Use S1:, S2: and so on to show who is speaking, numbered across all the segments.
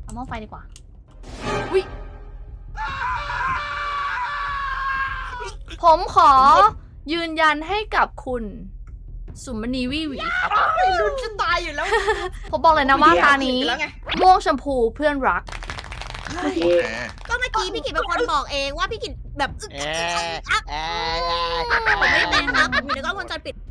S1: เอาหม้อไฟดีกว่าอุ้ยผมขอยืนยันให้กับคุณสุมณีวิวีครับ
S2: ลุ้นจะตายอยู่แล้ว
S1: ผมบอกเลยนะว่าตานี้ม่วงชมพูเพื่อนรัก
S3: โอเค
S2: ก็เมื่อกี้พี่กิตเป็นคนบอกเองว่าพี่กิตแบบผมไม่ได้เป็นครับผมอยู่ในกล้องวงจรปิด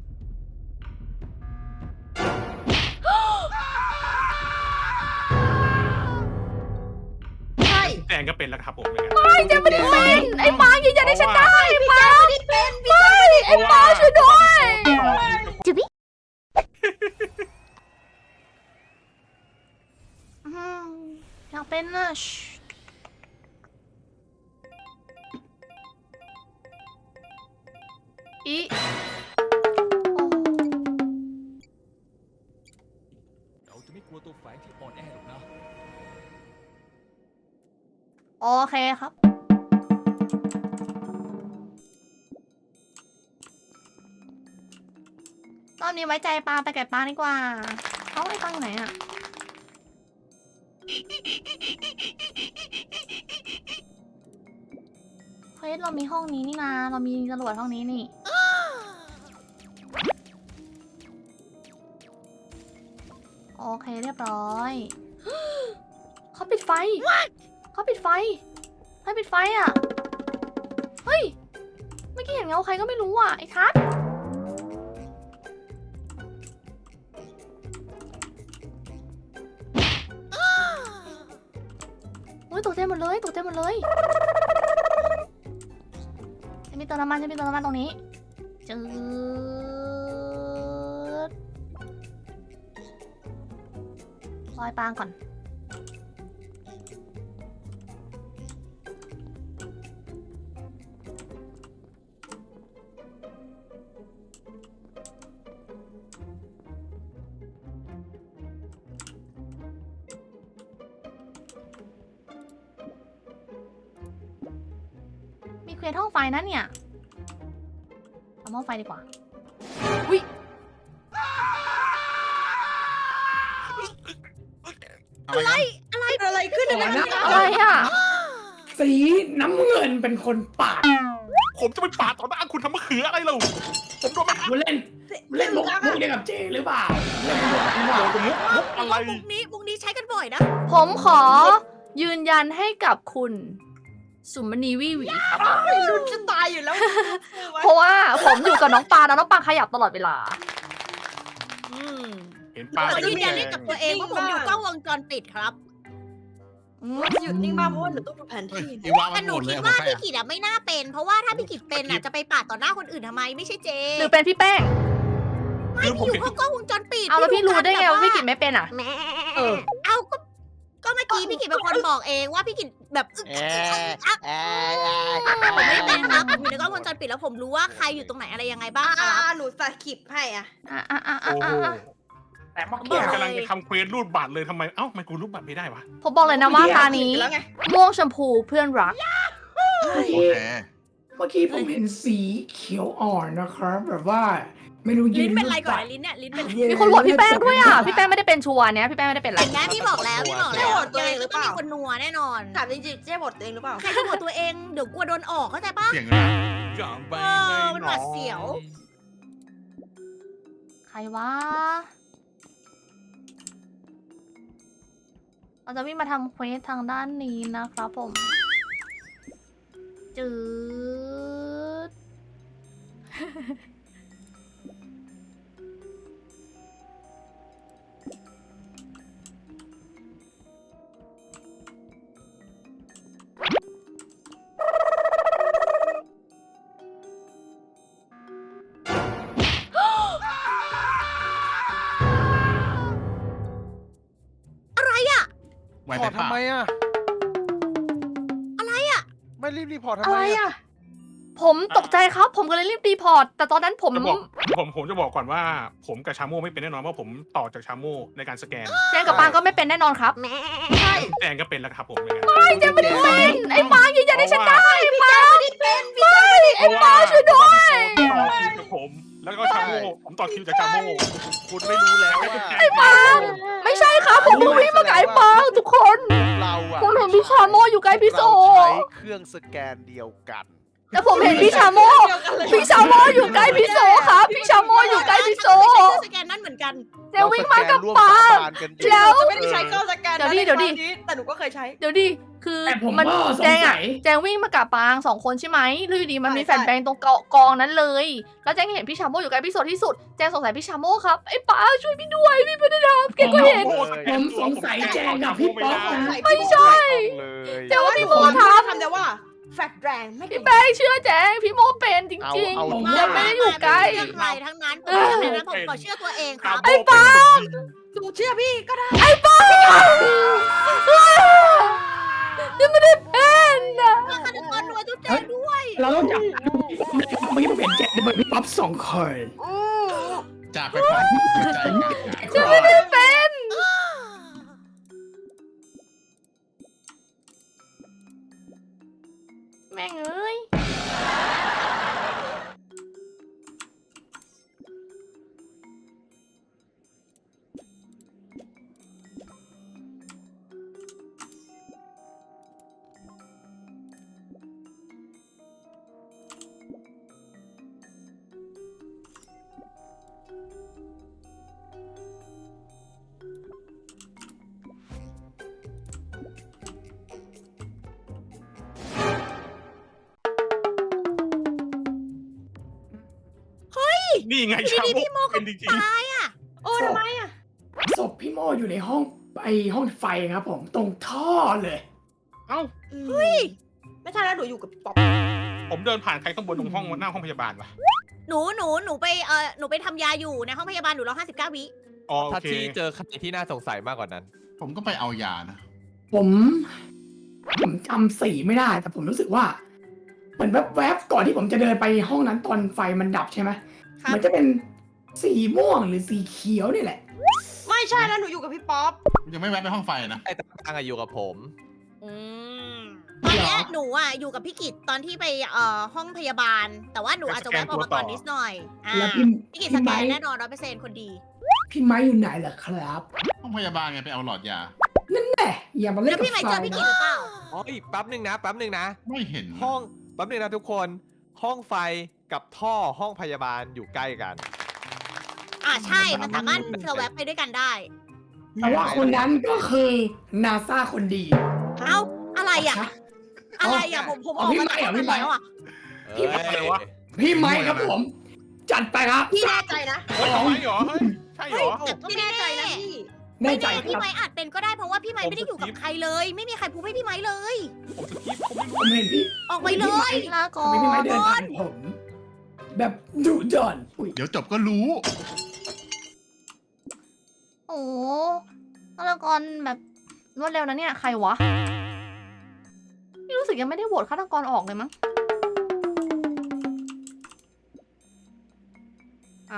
S2: ใช่
S4: แจงก็เป็นแล้วครับผม
S1: ไม่เจะไม่ได้เป็นไอ้ปางยืนยันให้ฉันได้ไอ้ปางไม่ได้เป็นไม่ไอ้ปางช่วยด้วยอยากเป็นนะอี
S5: เราจะไม่กลัวตัวแฝงที่อ่อนแอหรอกนะ
S1: โอเคครับตอนนี้ไว้ใจปางไปแก่ปางดีกว่าเอาไอ้ปางอยู่ไหนอะเฮ้ยเรามีห้องนี้นี่นะเรามีจรวดห้องนี้นี่โอเคเรียบร้อยเขาปิดไฟเขาปิดไฟให้ปิดไฟอ่ะเฮ้ยเมื่อกี้เห็นเงาใครก็ไม่รู้อ่ะไอ้ทัศน์โอ้ยตกใจหมดเลยตกใจหมดเลยจะมีเติมน้ำมันจะมีเติมน้ำมันตรงนี้จืดลอยปางก่อนมีเควสห้องไฟนะเนี่ยเอาหม้อไฟดีกว่าอุ้ย
S2: อะไรขึ้นอะไร
S1: อะไรอ่ะ
S3: สีน้ำเงินเป็นคนปาด
S4: ผมจะไปปาดต่อหน้าคุณทำมะเขืออะไรเราผมโดนไม่ทัน
S3: คุณเล่นมุกเดียวกับเจหรือเปล่าเล่นมุกหรือเปล่า
S4: โดนมุกอะไร
S2: มุกนี้ใช้กันบ่อยนะ
S1: ผมขอยืนยันให้กับคุณสุมณีวิวีครับ
S2: ลุ้นจะตายอยู่แล้ว
S1: เพราะว่าผมอยู่กับน้องปางแล้วน้องปางขยับตลอดเวลา
S4: เห็นปา
S2: ขอยืนยันให้กับตัวเองว่าผมอยู่กล้องวงจรปิดครับ
S6: หยุดนิ่งมากเพราะว่าหนูต้องดูแผนที่
S3: อีวามั
S2: แต่
S3: น
S2: ห
S3: ห
S2: นู
S3: มดเล
S2: คิ
S3: ย
S2: ด
S3: เอา
S2: ว่า
S3: ไป
S2: พี่กิตไม่น่าเป็น เพราะว่าถ้าพี่กิตเป็นจะไปปาดต่อหน้าคนอื่นทำไมไม่ใช่เจ
S1: หรือเป็นพี่แป้ง
S2: ไม่พี่อยู่ห้องกล้องวงจรปิด
S1: เอาแล้วพี่รู้ได้ไงว่าพี่กิจไม่เป็นอ่ะ
S2: เออเอาก็เมื่อกี้พี่กิตเป็นคนบอกเองว่าพี่กิตแบบผมไม่ได้เป็นครับผมอยู่ในกล้องวงจรปิดแล้วผมรู้ว่าใครอยู่ตรงไหนอะไรยังไงบ้างครับ
S6: หนูสกิปให้อ่ะ
S4: โอ้โห
S3: แต่เมื่อ
S4: ผ
S3: กี้
S4: มกำลังจะทำเควสรูดบัตรเลยทำไมเอ้าทำไมกูรูดบัตรไม่ได้วะ
S1: ผมบอกเลยนะว่าตานี้
S6: แล้วไง
S1: ม่วงชมพูเพื่อนรัก
S3: โอเคเมื่อกี้ผมเห็นสีเขียวอ่อนนะครับแบบว่าไม่รู้ยื
S2: ลิ้น
S3: น
S2: เป็นไรก่อนลิ้นเนี่ยลิ้นเป็นไร
S1: มีคนโหวตพี่แป้งด้วยอ่ะ พี่แป้งไม่ได้เป็นชัวร์เนี้ยพี่แป้งไม่ได้เป็นอะไร
S2: เห็นไหมพี่บอกแล้วยังไงก็ต้องมีคนนัวแน่นอน
S6: ถามจริงๆเจ๊บทตัวเองหรือเปล่า
S2: ใครจะโหวตตัวเองเดี๋ยวกลัวโดนออกเข้าใจปะ
S3: เสียงอะไร
S5: อย่างไป
S2: มันหวาดเสียว
S1: ใครวะเราจะวิ่งมาทำเควสทางด้านนี้นะครับผม จืด
S3: ไว้
S7: พ
S3: ไป
S7: อร์ต
S3: เปล่า
S7: ทำไมอะ
S2: อะไรอะ
S7: ไม่รีบพอร์ตทำ
S1: อะไร
S7: ไม
S1: อ่ะ ผมตกใจครับ ผมก็เลยรีบรีพอร์ต แต่ตอนนั้นผม
S4: ผมจะบอกก่อนว่าผมกับชาโม่ไม่เป็นแน่นอนเพราะผมต่อจากชาโม่ในการสแกน
S1: แจงกับปางก็ไม่เป็นแน่นอนครับ
S2: ใช่
S4: แจงก็เป็นแล้วครับผม
S1: ไม่เจงไม่ได้เป็นไอ้ปางยืนยันให้ฉันได้ปางไม่ไอ้ปางช่วยด้วย
S4: ต่อคิวกับผมแล้วก็ชาโม่ผมต่อคิวจากชาโม่
S7: คุณไม่รู้แล้วว่า
S1: ไอ้ปางไม่ใช่ครับ ผมเพิ่งวิ่งมาไกลปางทุกคนชาโมอยู่ใกล้พี่โซ
S7: เราใช้เครื่องสแกนเดียวกัน
S1: แต่ผมเห็นพี่ชาโมอยู่ใกล้พี่โซครับพี่ชาโมอยู่ใกล้พี่โซ
S2: ฉันก็ใช้เครื่องสแกนนั้นเหมือนกัน
S1: เจวิ่งมากับ
S7: ร่วม
S1: ปา
S7: สา
S1: ล์ม
S7: บานกันอยู่
S1: แล้ว
S6: จะไม่ได้ใช้เครื่องสแกน
S1: เดี๋ยวดิ
S6: ในครั้งนี้แต่หนูก็เคยใช้
S1: เดี๋ยวดิคือ
S3: แต่ผม
S1: มัน
S3: ก็ส
S1: แจ
S3: ง
S1: ง
S3: สั
S1: อะ
S3: ย
S1: แจงวิ่งมากับปางสองคนใช่ไหมแล้วอยู่ดีมันมีแฟนแบงตรงกองนั้นเลย แล้วแจงเห็นพี่ชาโมอยู่ใกล้พี่โซที่สุดแจงสงสัยพี่ชาโมครับไอ้ปางช่วยพี่ด้วยพี่ไม่ได้ทำแกก็เห็น
S3: ผมสงสัยแจงกับพี่ป๊อกนะ
S1: ไม่ใช่
S7: เลย
S1: เดี๋ยวว่าพี่โมท
S6: ทำแต่ว่าแฟกแรงไม่
S1: ำ
S6: เก่
S1: พี่
S6: ง
S1: แบงเชื่อแจงพี่โมเป็นจริง
S7: เอา
S3: ผม
S1: ๆแจงไม่ได้อยู่ใกล้
S2: เรื่องใครทั้งนั้นผมขอเชื่อตัวเองครับ
S1: ไอ้ปา
S6: หนูเชื่อพี่ก็ได้
S1: ยังไม่ได้เป็นอะ
S2: ฆาตกรรวยทุกแจงด้วย
S3: เราต้องจับเมื่อกี้ผมเห็นแจงเป็นพี่ป๊อป2 คน
S8: จากไปพร้อมใจกัน
S1: ยังไม่ได้เป็น แม่งเอ้ย
S4: นี่ไงชาโม่เป็นจริง
S2: ตายอ่ะ
S6: โอ้ทำไมอ่ะ
S3: ศพพี่โมอยู่ในห้องห้องไฟครับผมตรงท่อเลย
S4: ๆเอ้า
S6: เฮ้ยไม่ใช่แล้วหนูอยู่กับป๊อป
S4: ผมเดินผ่านใครข้างบนตรงห้องหน้าห้องพยาบาลวะ
S2: หนูไปทำยาอยู่ในห้องพยาบาลหนูรอ59 วิ
S4: อ๋อโอ
S5: ถ้า
S4: เค
S5: ที่เจอใครที่น่าสงสัยมากกว่านั้น
S8: ผมก็ไปเอายานะ
S3: ผมจำสีไม่ได้ แต่ผมรู้สึกว่าเหมือนแวบๆก่อนที่ผมจะเดินไปห้องนั้นตอนไฟมันดับใช่ไหม
S2: ครับ
S3: มันจะเป็นสีม่วงหรือสีเขียวนี่แหละ
S6: ไม่ใช่แล้วหนูอยู่กับพี่ป๊อป
S8: ยังไม่แวะไปห้องไฟนะ
S5: ไอ้ตางอะอยู่กับผม
S2: ตอนเนี้ยหนูอ่ะอยู่กับพี่กิตตอนที่ไปห้องพยาบาล แต่ว่าหนูอาจจะแวะออกมาก่อนนิดหน่อย
S3: แล้ว
S2: พี่กิตสแกนแน่นอน100%คนดี
S3: พี่ไม้อยู่ไหนล่ะครับ
S8: ห้องพยาบาลไงไปเอาหลอดยา
S3: แหมอย่ามาเล่
S2: แล้
S3: น
S2: ว
S3: กับ
S2: พี่ไม
S3: ไฟ
S2: ค์เจอพี่กิต
S3: นะ
S2: หรือเปล่า
S5: อ๋ออีกแป๊บหนึ่งนะ
S8: ไม่เห็นนะ
S5: ห้องแป๊บหนึ่งนะทุกคน ห้องไฟกับท่อห้องพยาบาลอยู่ใกล้กัน
S2: ใช่มันสามารถเธอแวะไปด้วยกันได้
S3: แต่ว่าคนนั้นก็คือนาซาคนดี
S2: เอ้าอะไรอ่ะอะไรอ่ะผมออกมาจากห้องนั้นแล้วอ่ะ
S3: พี่
S5: เอ้ย
S4: อะไรวะ
S3: พี่ไม้ครับผม จัดไปครับ
S6: พี่แน่ใจนะ
S4: เฮ้ยทำไมเหรอเฮ้ยใช่เหรอ
S2: แต่ก็
S6: พี่
S2: ไม่
S6: แน่
S2: แน่
S6: ใจ
S2: ใจ
S6: นะ
S2: นะ
S6: พี่
S3: แน่
S2: ไม่
S3: ใจ
S2: แน่
S3: ค
S2: พี่
S3: รับ
S2: ไม้อาจเป็นก็ได้เพราะว่าพี่ไม้ไม่ได้อยู่กับใครเลย ไม่มีใครพูดให้พี่ไม้เลย
S4: ผมสกิปผมไม่รู้
S3: ผมเห็นพี่
S2: ออกไปเลย
S1: ลาก่อ
S3: ทำไมพี่ไม้เดิน
S1: น
S3: ผ่านผม แบบดุดันอุ้ย
S8: เดี๋ยวจบก็รู้
S1: โอ้ฆาตกรแบบรวดเร็วนะเนี่ย ใครวะ พี่รู้สึกยังไม่ได้โหวตฆาตกรออกเลยมั้ง อ้าว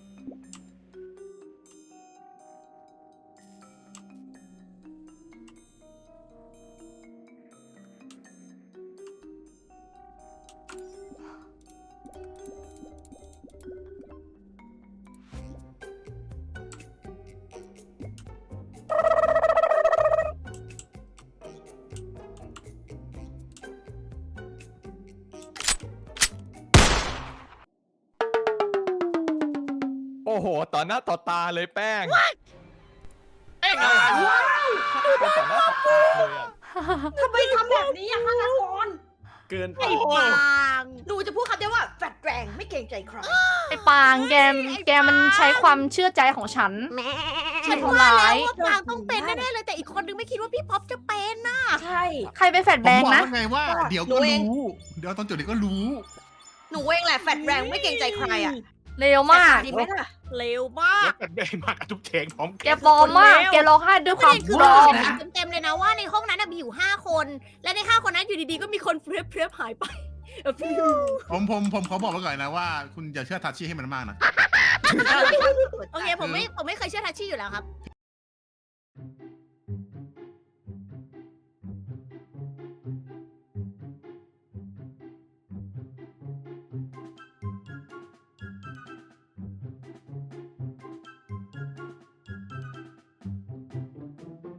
S5: โอ้โห ต่อหน้าต่อตาเลยแป้ง
S4: เอ้ย
S5: เป็นต่อหน้าต่อตาเลยอ่ะ
S6: ทำไมทำแบบนี้อ่ะฆาตกร
S5: เกินไป
S2: ไอ้ปาง
S6: หนูจะพูดคำเดียวว่าแฟกแรงไม่เกรงใจใคร
S1: ไอ้ปางแกมันใช้ความเชื่อใจของฉัน
S2: ฉันว่าแล้วว่าปางต้องเป็นแน่ๆเลยแต่อีกคนนึงไม่คิดว่าพี่ป๊อปจะเป็นน่ะ
S6: ใช่
S1: ใครเป็นแฟด
S8: ผม
S1: แบง
S8: บอก
S1: นะ
S8: ว่าไงว่า เดี๋ยวก็รู้ เดี๋ยวตอนจบเดี๋ยวก็รู้
S6: หนูเองแหละแฟกแรงไม่เกรงใจใครอ่ะ
S1: เร็วมาก
S6: ดีไหมล่ะ
S2: เร็วมาก
S4: แล้วกันแบงมากับทุกเทงพร้อม
S1: แกปลอมมาก แกร้องไห้ด้วย
S2: ป
S1: ควา
S2: ระ
S1: ม
S2: เด็นคือ
S1: ปลอม
S2: เห็นเต็มๆเลยนะว่าในห้องนั้นมีอยู่5 คน และใน5 คนนั้นอยู่ดีๆก็มีคนเพลียหายไป
S8: ผมขอบอกไว้ก่อนนะว่า คุณอย่าเชื่อทัชชี่ให้มันมากนะ
S2: โอเคผมไม่เคยเชื่อทัชชี่อยู่แล้วครับ